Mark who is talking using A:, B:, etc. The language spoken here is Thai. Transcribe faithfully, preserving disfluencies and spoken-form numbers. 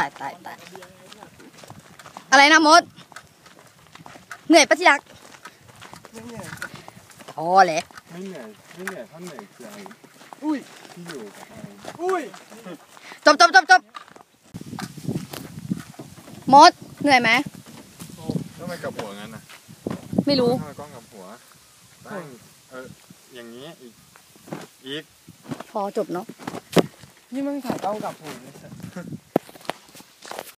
A: ายตายตายอะไรนะมดเหนื่อยปะที่รัก
B: ไม่เหนื่อย
A: พอเลย
C: ไม่เหนื่อยไม่เหนื่อยเท่าเหนื่อยใจ
B: อุ้ย
C: ที่อยู่กับไอ้
B: อุ้ย
A: จบจบจบจบมดเหนื่อยไหม
C: โอ้ทำไมกับหัวงั้นน่ะ
A: ไม่รู้
C: ทำไมกล้องกับหัวตั้งเอออย่างนี้อีกอีก
A: พอจบเนาะ
B: นี่มึงถ่ายกล้องกับหัว